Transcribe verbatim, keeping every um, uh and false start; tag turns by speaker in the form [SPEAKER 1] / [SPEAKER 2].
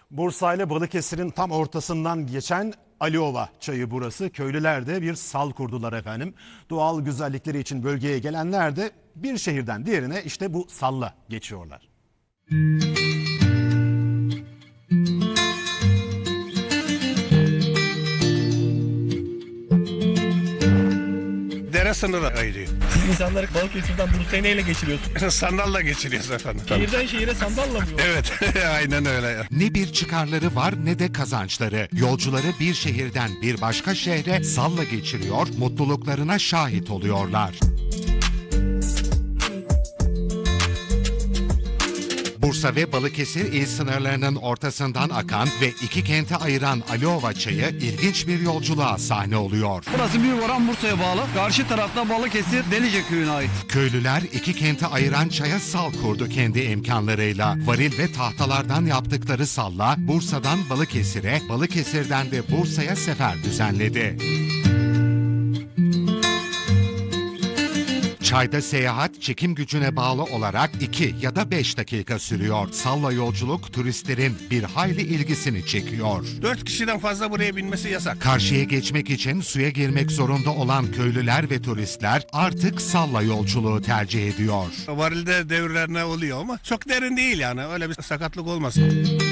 [SPEAKER 1] Bursa ile Balıkesir'in tam ortasından geçen Aliova çayı burası. Köylüler de bir sal kurdular efendim. Doğal güzellikleri için bölgeye gelenler de bir şehirden diğerine işte bu salla geçiyorlar.
[SPEAKER 2] Dere sınırı ayırıyor.
[SPEAKER 3] Siz insanları Balıkesir'den Bursa'ya neyle geçiriyorsunuz?
[SPEAKER 2] Sandalla geçiriyoruz efendim.
[SPEAKER 3] Şehirden şehire sandalla mı yol?
[SPEAKER 2] Evet, aynen öyle.
[SPEAKER 4] Ne bir çıkarları var ne de kazançları. Yolcuları bir şehirden bir başka şehre salla geçiriyor, mutluluklarına şahit oluyorlar. Bursa ve Balıkesir il sınırlarının ortasından akan ve iki kente ayıran Aliova çayı ilginç bir yolculuğa sahne oluyor.
[SPEAKER 5] Burası Büyükoran Bursa'ya bağlı. Karşı tarafta Balıkesir Delice köyüne ait.
[SPEAKER 4] Köylüler iki kente ayıran çaya sal kurdu kendi imkanlarıyla. Varil ve tahtalardan yaptıkları salla Bursa'dan Balıkesir'e, Balıkesir'den de Bursa'ya sefer düzenledi. Çayda seyahat çekim gücüne bağlı olarak iki ya da beş dakika sürüyor. Salla yolculuk turistlerin bir hayli ilgisini çekiyor.
[SPEAKER 2] Dört kişiden fazla buraya binmesi yasak.
[SPEAKER 4] Karşıya geçmek için suya girmek zorunda olan köylüler ve turistler artık salla yolculuğu tercih ediyor.
[SPEAKER 2] Varilde devirlerine oluyor ama çok derin değil yani. Öyle bir sakatlık olmasın.